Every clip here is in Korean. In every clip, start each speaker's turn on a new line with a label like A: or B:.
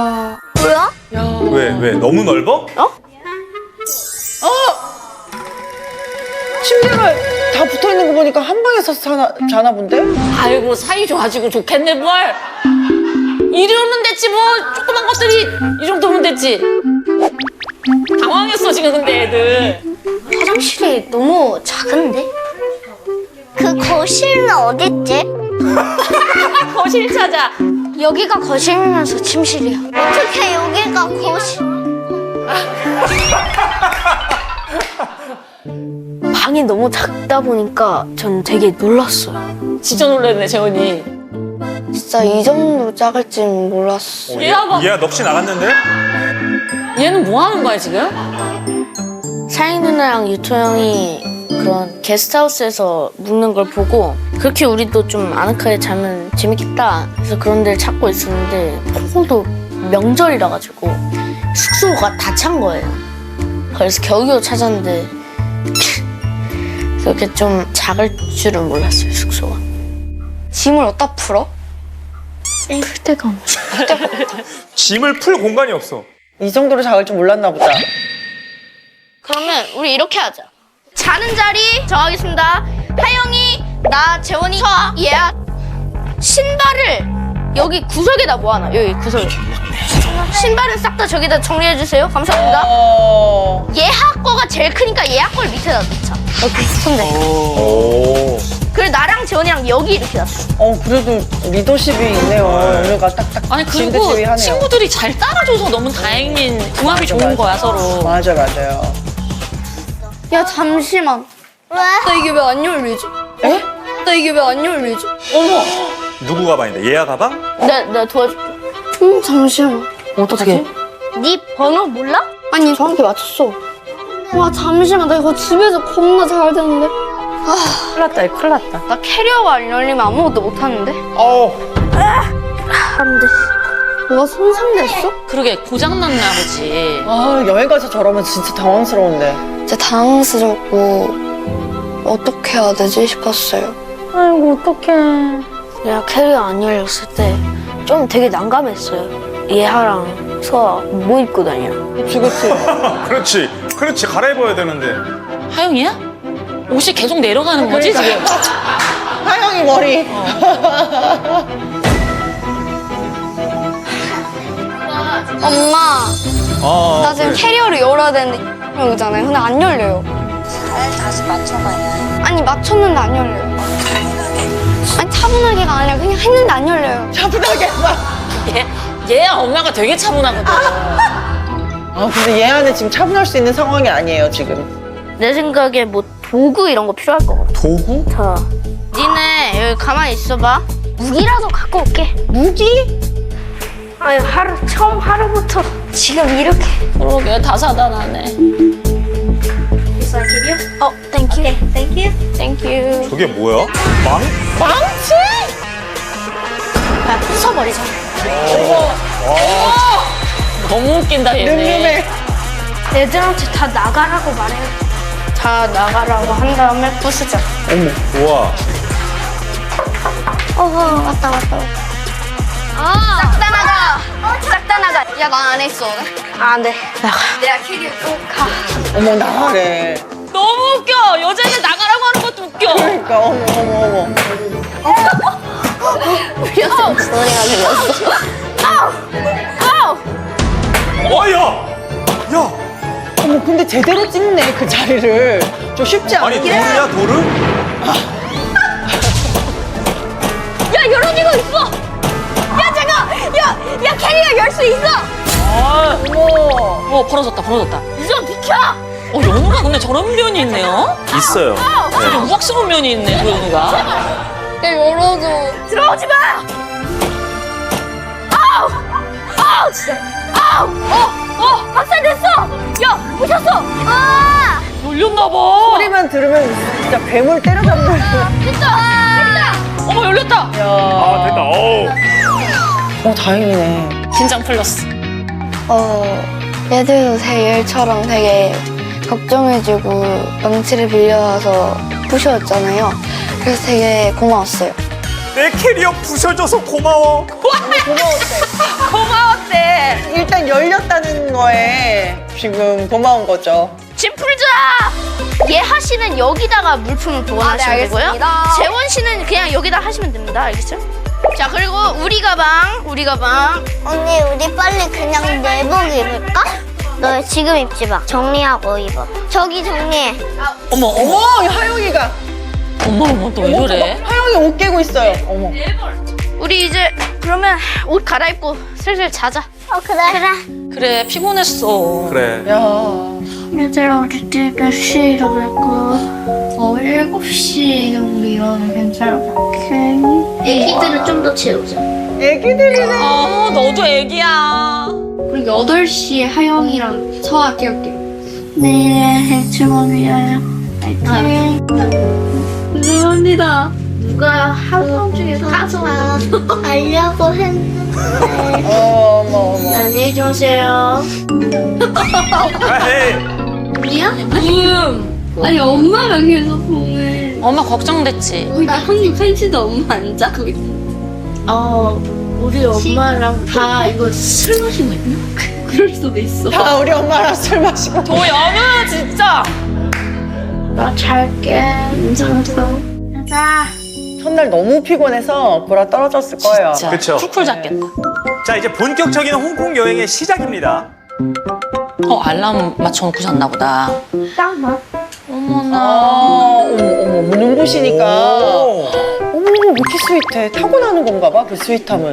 A: 뭐야?
B: 왜? 너무 넓어?
C: 침대가 다 붙어 있는 거 보니까 한 방에서 자나 본데?
D: 아이고 사이 좋아지고 좋겠네 뭘. 이러면 됐지 뭐. 조그만 것들이 이 정도면 됐지. 당황했어 지금 근데 애들.
A: 화장실이 너무 작은데? 그 거실은 어딨지?
D: 거실 찾아.
A: 여기가 거실이면서 침실이야. 어떻게 여기가 거실? 방이 너무 작다 보니까 전 되게 놀랐어요.
D: 진짜 놀랐네 재원이.
A: 진짜 이 정도 작을지는 몰랐어.
D: 얘야 봐.
B: 얘야 넋이 나갔는데?
D: 얘는 뭐 하는 거야 지금?
E: 사이 누나랑 유토 형이 그런 게스트하우스에서 묵는 걸 보고 그렇게 우리도 좀 아늑하게 자면 재밌겠다 그래서 그런 데를 찾고 있었는데 폭우도 명절이라 가지고 숙소가 다 찬 거예요. 그래서 겨우겨우 찾았는데 그렇게 좀 작을 줄은 몰랐어요 숙소가.
A: 짐을 어디다 풀어?
E: 풀 데가 없네.
B: 짐을 풀 공간이 없어.
C: 이 정도로 작을 줄 몰랐나 보다.
E: 그러면 우리 이렇게 하자. 자는 자리 정하겠습니다. 하영이, 나, 재원이, 저, 얘야. 신발을 여기 구석에다 모아놔. 여기 구석에. 신발은 싹 다 저기다 정리해 주세요. 감사합니다. 얘하 거가 제일 크니까 얘하 걸 밑에다 놓자. 오케이, 손대.
B: 오.
E: 그리고 나랑 재원이랑 여기 이렇게 놨어.
C: 그래도 리더십이 있네요. 연우가 딱딱
D: 아니 그리고
C: 진득집이 하네요.
D: 친구들이 잘 따라줘서 너무 다행인 궁합이 좋은 거야 서로.
C: 맞아요.
A: 야 잠시만. 왜? 나 이게 왜 안 열리지?
C: 에?
A: 나 이게 왜 안 열리지?
B: 누구 가방인데? 얘야 가방?
E: 내가 도와줄게.
A: 잠시만.
D: 어떻게?
A: 네 번호 몰라? 아니 정확히 맞췄어. 와 잠시만 나 이거 집에서 겁나 잘 되는데.
D: 큰일 났다 큰일 났다.
A: 나 캐리어가 안 열리면 아무것도 못 하는데. 안 돼. 뭐가 손상됐어?
D: 그러게 고장났나 보지.
C: 여행 가서 저러면 진짜 당황스러운데.
A: 진짜 당황스럽고 어떻게 해야 되지 싶었어요.
E: 아이고 어떡해. 내가 캐리어 안 열렸을 때 좀 되게 난감했어요. 얘하랑 서아 뭐 입고 다녀?
C: 그치.
B: 그렇지. 갈아입어야 되는데.
D: 하영이야? 옷이 계속 내려가는 거지 지금?
C: 하영이 머리.
A: 엄마 나 지금 캐리어를 열어야 되는데 여기잖아요. 근데 안 열려요.
F: 잘 다시 맞춰봐요.
A: 아니 맞췄는데 안 열려요. 아니 차분하게가 아니라 그냥 했는데 안 열려요.
C: 차분하게 막.
D: 얘야 엄마가 되게 차분하거든.
C: 근데 얘 안에 지금 차분할 수 있는 상황이 아니에요, 지금.
E: 내 생각에 뭐 도구 이런 거 필요할 것 같아.
B: 도구?
E: 자, 니네 여기 가만히 있어봐.
A: 무기라도 갖고 올게.
C: 무기?
A: 아유 처음 하루부터 지금 이렇게.
D: 그러게 다사다나네.
A: 땡큐.
B: 저게 뭐야?
C: 망치?
E: 부숴버리자.
D: 너무 웃긴다 얘네.
C: 늠름해.
A: 애들한테 다 나가라고 말해요. 다 나가라고 한 다음에 부수자.
B: 우와.
A: 왔다. 싹 다 나가. 싹 다 나가. 야, 나 안 했어.
E: 안 돼. 나가.
A: 내가 캐리어 꼭 가.
C: 어머, 나가래.
D: 너무 웃겨. 여자애들 나가라고 하는 것도 웃겨.
C: 그러니까, 어머.
A: 소리가 들렸어.
B: 야!
C: 어머, 근데 제대로 찍네, 그 자리를. 좀 쉽지
B: 아니
C: 않은데.
B: 돌이야 돌을?
A: 야, 이런 이거 있어. 야, 잠깐. 야, 캐리어 열 수 있어.
C: 어머.
D: 벌어졌다.
A: 좀 비켜.
D: 연우가 근데 저런 면이 있네요.
B: 있어요.
D: 되게 우악스러운 면이 있네 그 연우가.
A: 야, 열어줘. 들어오지 마. 아우, 진짜. 박살냈어. 야, 부셨어.
D: 열렸나 봐.
C: 소리만 들으면 진짜 뱀을 때려잡는.
A: 됐다.
D: 어머 열렸다.
B: 아 됐다.
C: 다행이네.
D: 긴장 풀렸어.
A: 얘들도 되게 일처럼 되게 걱정해주고 망치를 빌려와서 부셔왔잖아요. 그래서 되게 고마웠어요.
B: 내 캐리어 부셔줘서 고마워.
D: 고마웠대.
C: 열렸다는 거에 지금 고마운 거죠.
E: 짐 풀자! 예하 씨는 여기다가 물품을 보관하시면 되고요.
A: 알겠습니다.
E: 재원 씨는 그냥 여기다 하시면 됩니다. 알겠죠? 자, 그리고 우리 가방.
F: 언니 우리 빨리 그냥 내복 입을까? 너 지금 입지 마. 정리하고 입어. 저기 정리해.
D: 어머, 어머,
C: 어머, 하영이가.
D: 어머, 너 왜 저래?
C: 하영이 옷 깨고 있어요. 어머.
E: 우리 이제 그러면 옷 갈아입고 슬슬 자자.
F: 그래.
D: 그래, 피곤했어.
B: 그래.
C: 야.
A: 얘들아, 우리 내일 몇 시에 일어날까? 7시 정도 일어나면 괜찮을 것 같아.
F: 애기들은 좀 더 재우자.
C: 애기들이네.
D: 너도 애기야.
A: 그리고 8시에 하영이랑 서아 깨울게요. 내일의 해충을 위하여 파이팅. 감사합니다. 누가 하루 중에 가서
F: 알려고 했는데.
C: 어머.
A: 안녕히 주무세요.
B: 에이.
A: 우리야? 아니 엄마가 계속 보면
D: 엄마 걱정됐지.
A: 우리 형님 팬티도 엄마 안 자고 있어. 우리 엄마랑 다 이거 술 마시고 있나? 그럴 수도 있어.
C: 다 우리 엄마랑 술 마시고.
D: 도연우 진짜.
A: 나 잘게. 인사하자. 가자.
C: 첫날 너무 피곤해서 보라 떨어졌을 거예요.
D: 진짜.
B: 그쵸.
D: 쿨쿨 잡겠다.
B: 자, 이제 본격적인 홍콩 여행의 시작입니다.
D: 알람 맞춰놓고 잤나 보다.
A: 짱나.
D: 어머나.
C: 어머, 눈부시니까.
B: 오.
C: 어머, 왜 이렇게 스윗해? 타고나는 건가 봐, 그 스윗함은.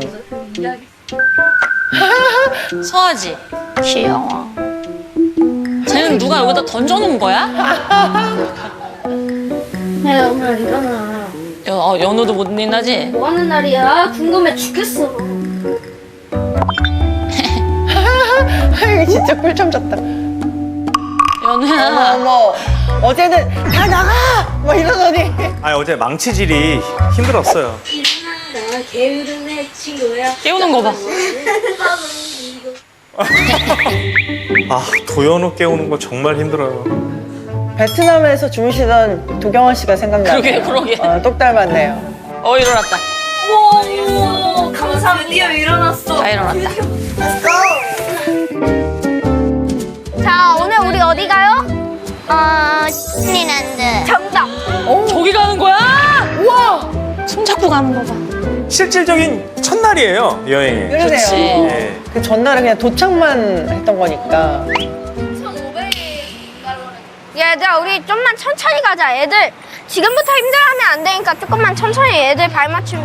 D: 서아지. 귀여워. 쟤는 누가 여기다 던져놓은 거야?
A: 네, 엄마 일어나.
D: 연우도 못 일어나지?
A: 뭐 하는 날이야? 궁금해 죽겠어.
C: 하영이 진짜 꿀잠 잤다.
D: 연우야.
C: 어머, 어제는 다 나가! 막 이러더니.
B: 아니, 어제 망치질이 힘들었어요.
A: 일어나, 게으르네 친구야.
D: 깨우는 거 봐.
B: 아, 도연우 깨우는 거 정말 힘들어요.
C: 베트남에서 주무시던 도경원 씨가 생각나요.
D: 그러게.
C: 똑 닮았네요.
D: 일어났다.
A: 오, 감사합니다. 일어났어.
D: 다 일어났다.
F: 자, 오늘 우리 어디 가요? 디즈니랜드.
E: 정답.
D: 저기 가는 거야? 우와! 손잡고 가는 거 봐.
B: 실질적인 첫날이에요, 여행이.
C: 그러네요.
D: 그치.
B: 예.
C: 그 전날은 그냥 도착만 했던 거니까.
E: 얘들아, 우리 좀만 천천히 가자. 애들 지금부터 힘들어하면 안 되니까 조금만 천천히 애들 발맞춤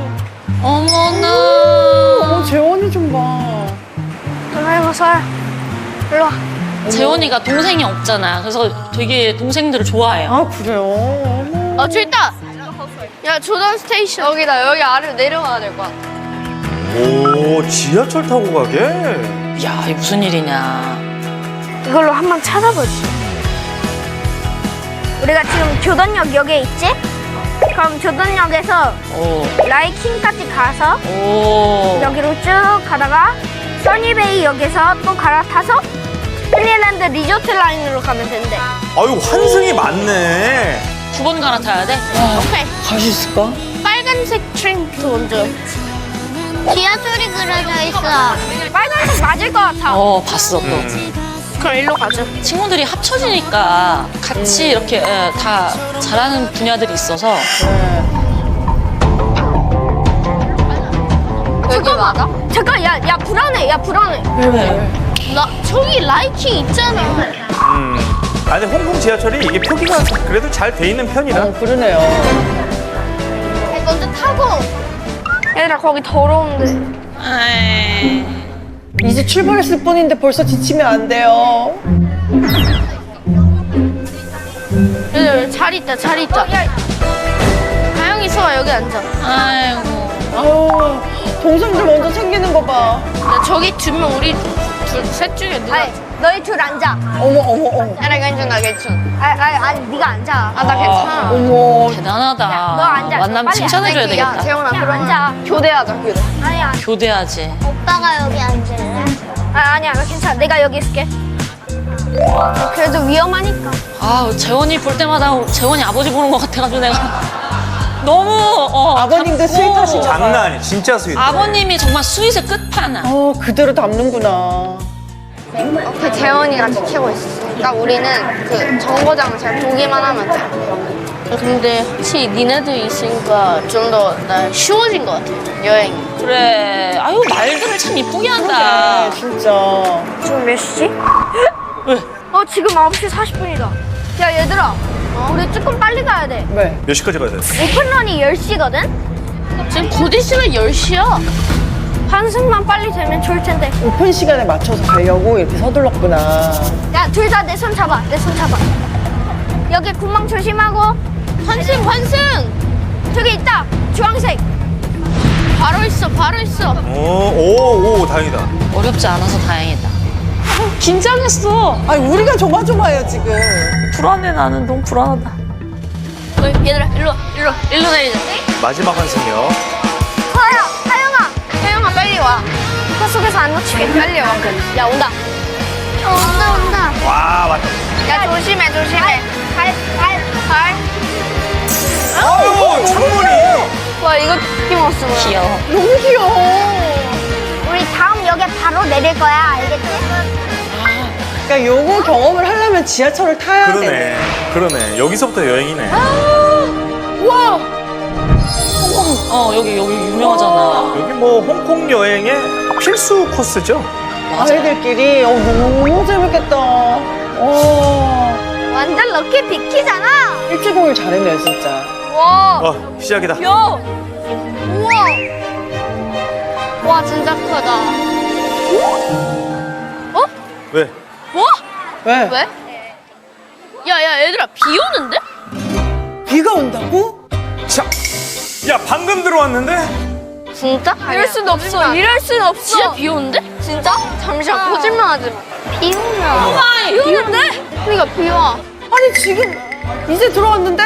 D: 어머나.
C: 재원이 좀 봐.
E: 좀 해봐서. 일로 와.
D: 재원이가 동생이 없잖아. 그래서 되게 동생들을 좋아해요.
C: 아, 그래요? 어머.
E: 저기 있다. 야, 조던 스테이션. 여기다. 여기 아래로 내려가야 될 것 같아.
B: 오, 지하철 타고 가게?
D: 야, 이게 무슨 일이냐.
E: 이걸로 한번 찾아보지. 우리가 지금 교동역에 있지? 그럼 교동역에서
D: 오.
E: 라이킹까지 가서
D: 오.
E: 여기로 쭉 가다가 써니베이 역에서 또 갈아타서 스리랜드 리조트 라인으로 가면 된대.
B: 아유, 환승이 많네.
D: 9번 갈아타야 돼?
E: 오케이.
C: 갈 수 있을까?
E: 빨간색 트램프 먼저.
F: 지하철이 그려져 있어.
E: 빨간색 맞을 것 같아.
D: 봤어 또.
E: 그럼 일로 가자.
D: 친구들이 합쳐지니까 같이 이렇게 다 잘하는 분야들이 있어서.
E: 여기 맞아? 잠깐, 야, 불안해. 야, 불안해.
C: 왜?
E: 나 저기 라이킹 있잖아.
B: 아니, 홍콩 지하철이 이게 표기가 그래도 잘 돼 있는 편이라.
C: 그러네요.
E: 먼저 타고. 얘들아, 거기 더러운데.
D: 에이.
C: 이제 출발했을 뿐인데 벌써 지치면 안 돼요.
E: 얘들 자리 있다, 자리 있다. 다영이 수아 여기 앉아.
D: 아이고.
C: 아우, 동생들 먼저 챙기는 거 봐.
E: 야, 저기 두면 우리 셋 중에 누가? 너희 둘 앉아.
C: 어머.
E: 나 괜찮아, 괜찮아. 아니, 네가 앉아. 나 괜찮아.
C: 어머.
D: 대단하다.
E: 너 앉아.
D: 만나면
E: 빨리
D: 칭찬해줘야
E: 앉아.
D: 되겠다.
E: 야, 재원아, 그럼 앉아. 교대하자, 교대. 아니야.
D: 교대하지.
F: 오빠가 여기 앉을래?
E: 아니야, 나 괜찮아. 내가 여기 있을게. 그래도 위험하니까.
D: 재원이 볼 때마다 재원이 아버지 보는 것 같아가지고 내가 너무
C: 아버님도
D: 작고
C: 스윗하신가 봐.
B: 장난 아니, 진짜 스윗.
D: 아버님이 정말 스윗의 끝판왕.
C: 그대로 담는구나.
E: 그 재원이가 지키고 있으니까 우리는 그 정거장을 잘 보기만 하면 돼. 근데 확실히 니네들 있으니까 좀 더 나 쉬워진 것 같아, 여행이.
D: 그래. 아유, 말들을 참 이쁘게 한다.
C: 진짜.
E: 지금 몇 시지?
D: 왜?
E: 지금 9시 40분이다. 야, 얘들아. 우리 조금 빨리 가야 돼.
C: 왜?
B: 몇 시까지 가야 돼?
E: 오픈런이 10시거든? 지금 곧 있으면 10시야. 한승만 빨리 되면 좋을 텐데.
C: 오픈 시간에 맞춰서 가려고 이렇게 서둘렀구나.
E: 야, 둘 다 내 손 잡아. 내 손 잡아. 여기 구멍 조심하고. 환승! 저기 있다. 주황색. 바로 있어.
B: 오, 다행이다.
D: 어렵지 않아서 다행이다. 긴장했어.
C: 아니, 우리가 조마조마해요, 지금.
D: 불안해, 나는. 너무 불안하다.
E: 얘들아, 일로 내리자.
B: 마지막 한승이요.
E: 하영아, 빨리 와. 차 속에서 안 놓치게 빨리 와. 야, 온다.
F: 온다.
B: 와, 맞다.
E: 야, 조심해. 발.
B: 아유, 창문이.
E: 와, 이거 힘없어.
D: 귀여워.
C: 너무 귀여워.
F: 우리 다음 역에 바로 내릴 거야. 알겠지?
C: 그러니까 요거 경험을 하려면 지하철을 타야 돼.
B: 그러네. 여기서부터 여행이네.
D: 여기 유명하잖아.
B: 여기 뭐 홍콩 여행의 필수 코스죠?
C: 아이들끼리 너무 재밌겠다.
F: 완전 럭키 비키잖아.
C: 일주공을 잘했네요, 진짜.
E: 와,
B: 시작이다.
E: 우와. 와, 진짜 크다.
B: 왜?
E: 뭐?
C: 왜?
E: 왜? 야, 얘들아, 비 오는데?
C: 비가 온다고?
B: 자, 야, 방금 들어왔는데?
E: 진짜? 이럴 순 없어. 진짜 비 오는데? 진짜? 잠시만, 거짓말 하지 마.
F: 비 오면.
E: 비 오는데? 그러니까 비 와.
C: 아니, 지금 이제 들어왔는데?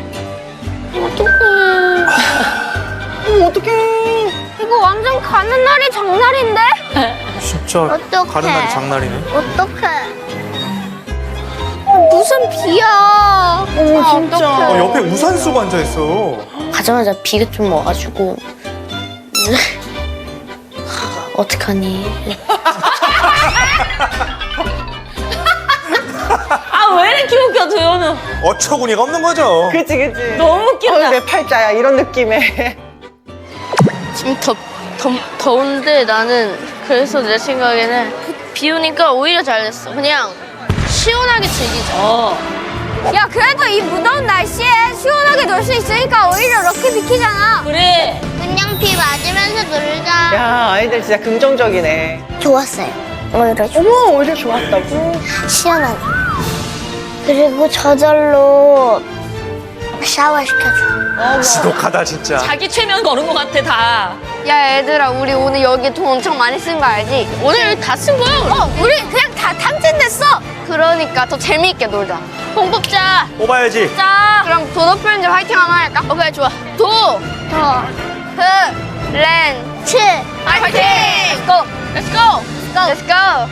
C: 어떡해.
E: 이거 완전 가는 날이 장날인데?
B: 진짜
F: 어떡해.
B: 가는 날이 장날이네.
F: 어떡해.
E: 무슨 비야.
C: 진짜.
B: 옆에 우산 쓰고 앉아있어.
E: 가자마자 비가 좀 와가지고 어떡하니.
D: 왜 이렇게 웃겨, 도현은.
B: 어처구니가 없는 거죠.
C: 그치.
D: 너무 웃긴다.
C: 내 팔자야, 이런 느낌에.
E: 지금 더운데 나는 그래서 내 생각에는 비 오니까 오히려 잘됐어. 그냥 시원하게 즐기자. 야, 그래도 이 무더운 날씨에 시원하게 놀 수 있으니까 오히려 럭키 비키잖아.
D: 그래.
F: 그냥 비 맞으면서 놀자.
C: 야, 아이들 진짜 긍정적이네.
F: 좋았어요. 오히려
C: 어머, 오히려 좋았다고?
F: 시원하게. 그리고 저절로 샤워시켜줘.
B: 지독하다, 진짜.
D: 자기 최면 거는 것 같아, 다.
E: 야, 얘들아, 우리 오늘 여기 돈 엄청 많이 쓴 거 알지? 오늘 다 쓴 거야. 우리 그냥 다 탕진됐어. 그러니까 더 재미있게 놀자. 돈 뽑자.
B: 뽑아야지.
E: 자, 그럼 도도 프렌즈 화이팅 한번 할까? 오케이, 좋아. 렌츠 화이팅! Let's go! Let's go! Let's go!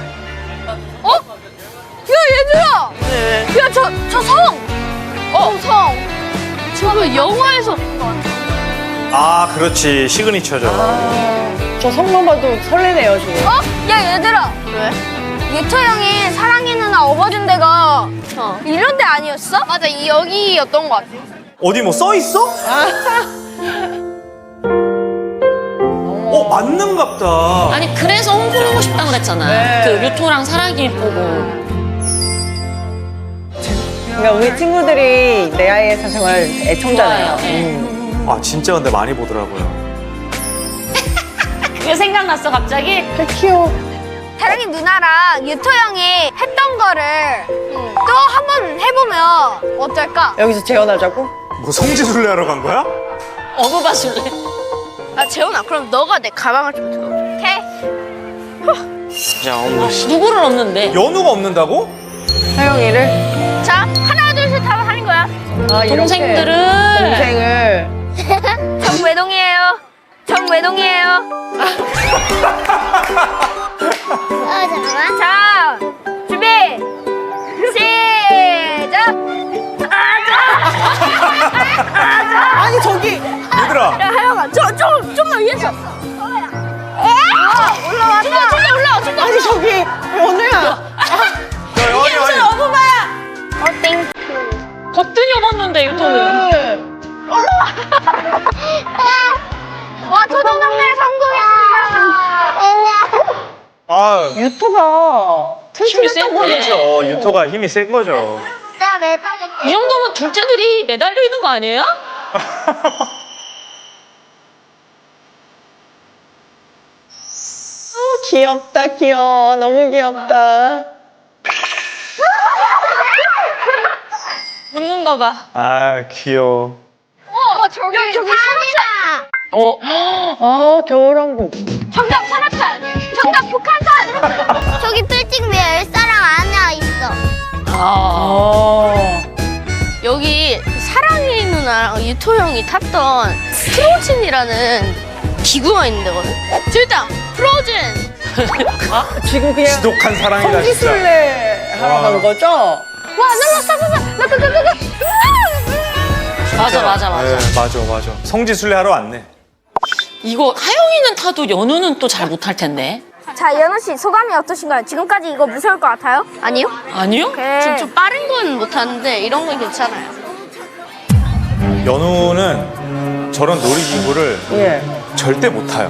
E: 야, 얘들아! 야, 저 성! 성! 저거 영화에서
B: 아, 그렇지. 시그니처죠.
C: 저 성만 봐도 설레네요, 지금.
E: 야, 얘들아! 왜? 유토 형이 사랑이 누나 업어준 데가 이런 데 아니었어? 맞아, 여기였던 것 같아.
B: 어디 뭐 써 있어? 맞는갑다.
D: 아니, 그래서 홍콩 오고 싶다고 그랬잖아.
C: 네.
D: 그 유토랑 사랑이 보고.
C: 그러니까 우리 친구들이 내 아이의 사생활 애청자네요.
D: 좋아요. 네.
B: 아, 진짜 근데 많이 보더라고요.
D: 그게 생각났어, 갑자기?
C: 귀여워.
E: 사랑이 누나랑 유토 형이 했던 거를 또 한 번 해보면 어떨까?
C: 여기서 재현하자고?
B: 뭐 성지순례 하러 간 거야?
D: 어부바술래.
E: 아, 재훈아, 그럼 너가 내 가방을 좀 들어줘. 오케이?
D: 누구를 얻는데?
B: 연우가 없는다고?
C: 하영이를?
E: 자, 하나, 둘, 셋 하면 하는 거야.
C: 아, 이렇게.
D: 동생들을.
C: 동생을.
E: 정외동이에요. 정외동이에요.
F: 잠깐만.
E: 자, 준비. 시작.
C: 아니, 저기.
B: 얘들아.
E: 야, 하영아, 좀만 위에서. 올라왔다. 올라왔다.
C: 아니 저기 연우야.
B: 이게
D: 무슨 어부바야?
F: 땡큐.
D: 거뜬히 업었는데 유토는.
C: 네.
F: 와, 초등학생 성공했습니다.
B: 아,
C: 유토가
D: 힘이 센 거지.
B: 그렇죠. 유토가 힘이 센 거죠.
D: 이 정도면 둘째들이 매달려 있는 거 아니에요?
C: 귀엽다 귀여워. 너무 귀엽다.
D: 웃는가 봐.
B: 아, 귀여워.
F: 저기 산이다.
C: 아 겨울왕국.
F: 정답 산악산. 정답 북한산. 저기 빌딩 위에 엘사랑 아나 있어.
C: 아.
E: 여기 사랑이 누나랑 유토 형이 탔던 프로즌이라는 기구가 있는 데거든. 저기 있다. 프로즌.
C: 아 지금 그냥
B: 지독한 사랑이다, 진짜.
C: 성지순례 하러
B: 와.
C: 간 거죠?
E: 와, 나
D: 맞아.
B: 네, 맞아. 성지순례 하러 왔네.
D: 이거 하영이는 타도 연우는 또 잘 못할 텐데.
G: 자, 연우 씨 소감이 어떠신가요? 지금까지 이거 무서울 것 같아요?
E: 아니요?
D: 아니요?
E: 좀 빠른 건 못하는데 이런 건 괜찮아요.
B: 연우는 저런 놀이기구를
C: 예.
B: 절대 못 타요.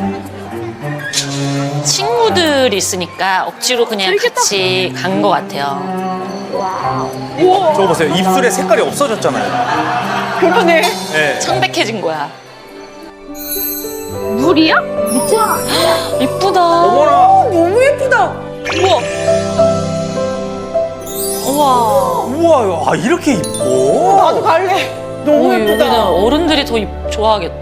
D: 친구들이 있으니까 억지로 그냥 같이 간 것 같아요.
B: 저거 보세요. 입술에 색깔이 없어졌잖아요.
C: 그러네.
B: 네.
D: 창백해진 거야.
E: 물이야?
D: 이쁘다.
B: 어머나.
C: 너무 예쁘다.
D: 우와.
B: 우와, 아, 이렇게 이뻐.
C: 나도 갈래. 너무 예쁘다.
D: 여기는 어른들이 더 좋아하겠다.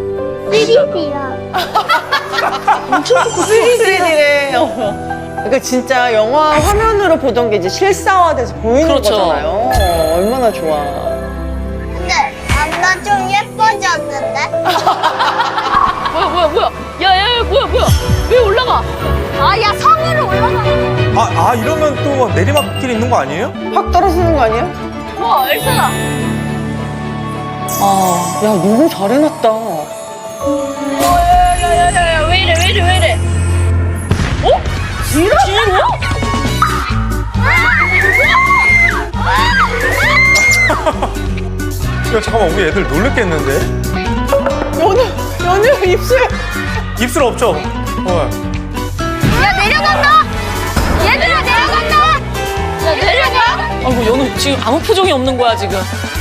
C: 3D래. 그러니까 진짜 영화 화면으로 보던 게 이제 실사화돼서 보이는
D: 그렇죠.
C: 거잖아요. 얼마나 좋아.
F: 근데 나 좀 예뻐졌는데?
E: 뭐야? 야, 뭐야? 왜 올라가?
F: 아, 야, 성으로 올라가.
B: 이러면 또 내리막길 있는 거 아니에요?
C: 확 떨어지는 거 아니야?
E: 와, 엘사다.
C: 야 너무 잘 해놨다.
E: 야, 왜 이래? 어? 뒤로?
B: 야, 잠깐만, 우리 애들 놀랬겠는데?
C: 연우 입술.
B: 입술 없죠?
F: 야, 내려간다! 얘들아, 내려간다!
E: 야, 내려가.
D: 아이고 연우 지금 아무 표정이 없는 거야 지금.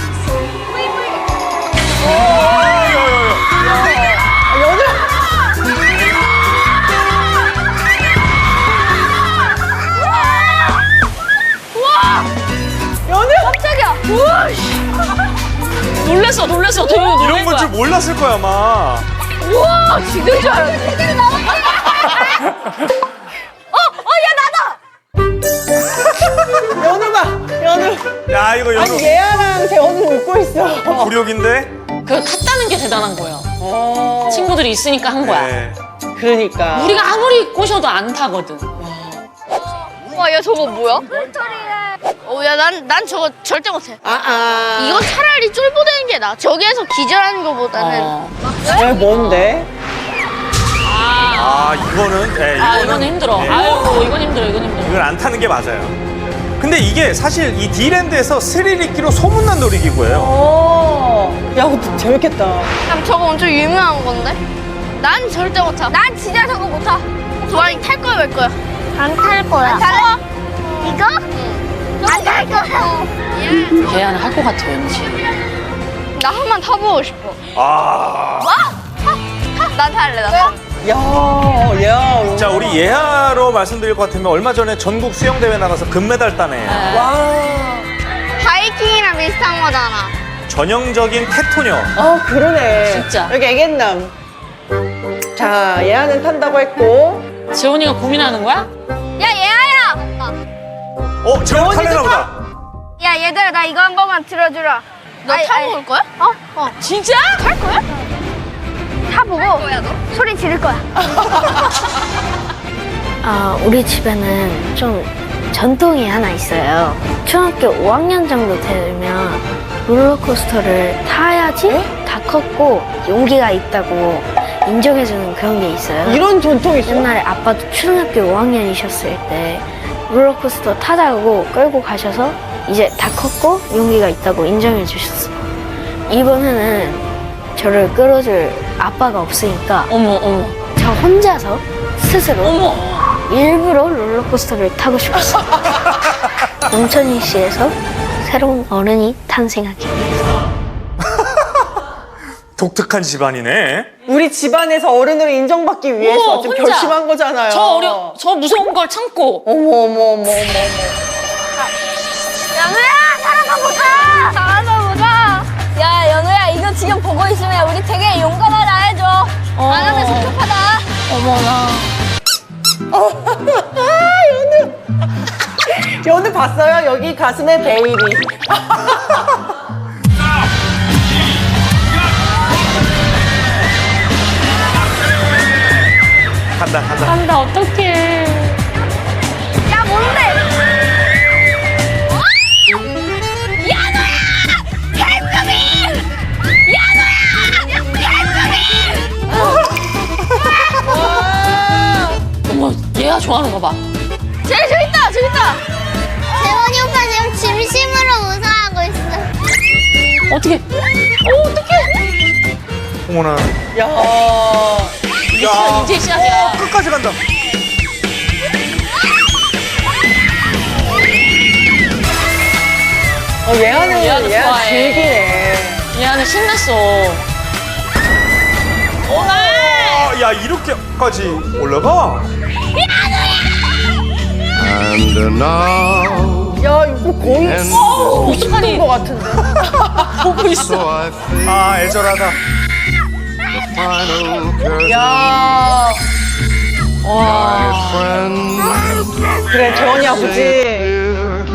E: 깜짝이야. 우와.
D: 놀랬어. 되게 놀란
B: 이런 걸
D: 거야.
B: 줄 몰랐을 거야, 아마.
E: 우와, 죽을 줄 알았네.
C: 연우 봐. 연우.
B: 야, 이거 연우
C: 아니 예아랑 재원우 웃고 있어.
B: 굴욕인데?
D: 그 탔다는 게 대단한 거예요. 친구들이 있으니까 한 거야.
B: 네.
C: 그러니까.
D: 우리가 아무리 꼬셔도 안 타거든.
E: 와, 야, 저거 뭐야? 야, 난 저거 절대 못해. 이거 차라리 쫄보되는 게 나아. 저기에서 기절하는 거보다는.
C: 왜 뭔데?
B: 이거는, 네,
D: 이거는 힘들어.
B: 네.
D: 아이고 이건 힘들어.
B: 이걸 안 타는 게 맞아요. 근데 이게 사실 이 디랜드에서 스릴 있기로 소문난 놀이기구예요.
C: 야, 그거 재밌겠다.
E: 그럼 저거 엄청 유명한 건데? 난 절대 못 타.
G: 난 진짜 저거 못 타.
E: 도안이 탈 거야, 말 거야?
F: 안 탈 거야.
E: 탈
F: 이거? 안 탈 거야.
D: 걔는 할 것 같아 왠지.
E: 나 한 번 타보고 싶어. 난 탈래, 나 탈래.
C: 야.
B: 자, 우리 예하로 말씀드릴 것 같으면 얼마 전에 전국 수영대회 나가서 금메달 따네.
C: 와.
F: 바이킹이랑 비슷한 거잖아.
B: 전형적인 테토녀.
C: 그러네.
D: 진짜.
C: 여기 애견남. 자, 예아는 탄다고 했고.
D: 재원이가 고민하는 거야?
F: 야, 얘야!
B: 재원 탈래나 보다.
G: 야, 얘들아, 나 이거 한 번만 들어주라.
E: 너 타고 올 거야?
D: 진짜?
E: 탈 거야?
G: 타보고 소리 지를 거야. 우리 집에는 좀 전통이 하나 있어요. 초등학교 5학년 정도 되면 롤러코스터를 타야지 다 컸고 용기가 있다고 인정해주는 그런 게 있어요.
C: 이런 전통이 있어.
G: 옛날에 아빠도 초등학교 5학년이셨을 때 롤러코스터 타자고 끌고 가셔서 이제 다 컸고 용기가 있다고 인정해 주셨어요. 이번에는 저를 끌어줄 아빠가 없으니까
D: 어머, 어머.
G: 저 혼자서 스스로
D: 어머.
G: 일부러 롤러코스터를 타고 싶었어요. 농천이시에서 새로운 어른이 탄생하기 위해서.
B: 독특한 집안이네.
C: 우리 집안에서 어른으로 인정받기 위해서
D: 어머,
C: 좀
D: 혼자.
C: 결심한 거잖아요.
D: 저 무서운 걸 참고.
C: 어머.
F: 연우야 살아서 보자. 살아서 보자. 야 연우야 이거 지금 보고 있으면 우리 되게 용감하다 해줘. 안 하면 섭섭하다.
D: 어머나.
C: 연우 봤어요? 여기 가슴에 베일이.
B: 간다.
D: 간다, 어떡해.
F: 야 뭔데?
D: 어머, 얘가 좋아하는 거 봐.
F: 재밌다. 재원이 오빠 지금 진심으로 우승하고 있어.
D: 어떻게? 어떡해.
B: 어머나.
C: 야.
B: 야,
D: 이제 시작이야.
B: 끝까지 간다.
C: 얘하는
D: 얘하는
C: 얘가
D: 좋아해.
C: 즐기네.
D: 얘는 신났어.
B: 야, 이렇게까지 올라가?
H: And now,
C: 야 이거 거의
H: and
D: 어떡하니?
C: 것 같은데.
D: 보고
H: so
D: 있어.
H: I face
B: 아, 애절하다.
H: the final curtain.
C: 야.
H: My friend,
C: 그래 재원이 아버지.
H: dear,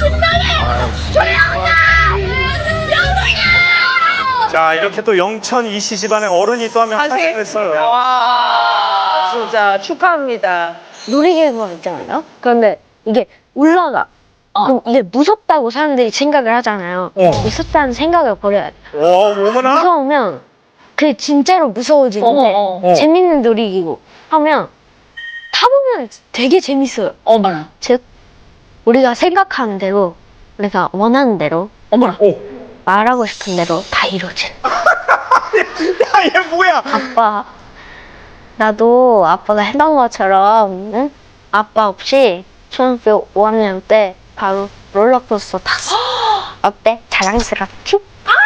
B: 자, 이렇게 또 영천 이씨 집안의 어른이 또 하면 탄생했어요.
C: 와 진짜 축하합니다.
G: 놀이기구가 있잖아요. 그런데 이게 올라가. 그럼 이게 무섭다고 사람들이 생각을 하잖아요. 무섭다는 생각을 버려야 돼.
B: 어머나.
G: 무서우면 그게 진짜로 무서워지는데
D: 어.
G: 재밌는 놀이기구 하면 타보면 되게 재밌어요.
D: 어머나.
G: 즉 우리가 생각하는 대로 우리가 원하는 대로
D: 어머나.
G: 말하고 싶은 대로 다 이루어지는.
B: 야, 얘 뭐야?
G: 아빠 나도 아빠가 했던 것처럼 응? 아빠 없이 초등학교 5학년 때 바로 롤러코스터 탔어. 어때? 자랑스럽지?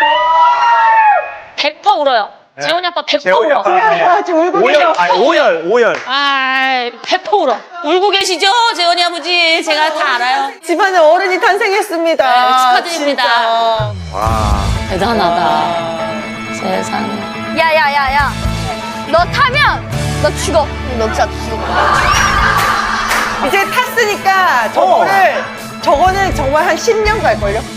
D: 100% 울어요. 재원이 아빠 100%
B: 재원이
D: 울어.
B: 아빠.
C: 야 지금 울고 계셔.
B: 오열.
D: 아이, 100% 울어. 울고 계시죠? 재원이 아버지. 제가 다 알아요.
C: 집안에 어른이 탄생했습니다.
D: 네, 축하드립니다.
C: 진짜.
B: 와.
D: 대단하다. 세상에.
E: 야야야야. 너 타면 너 죽어. 너 진짜 죽어.
C: 이제 탔으니까 저거는 정말 한 10년 갈걸요?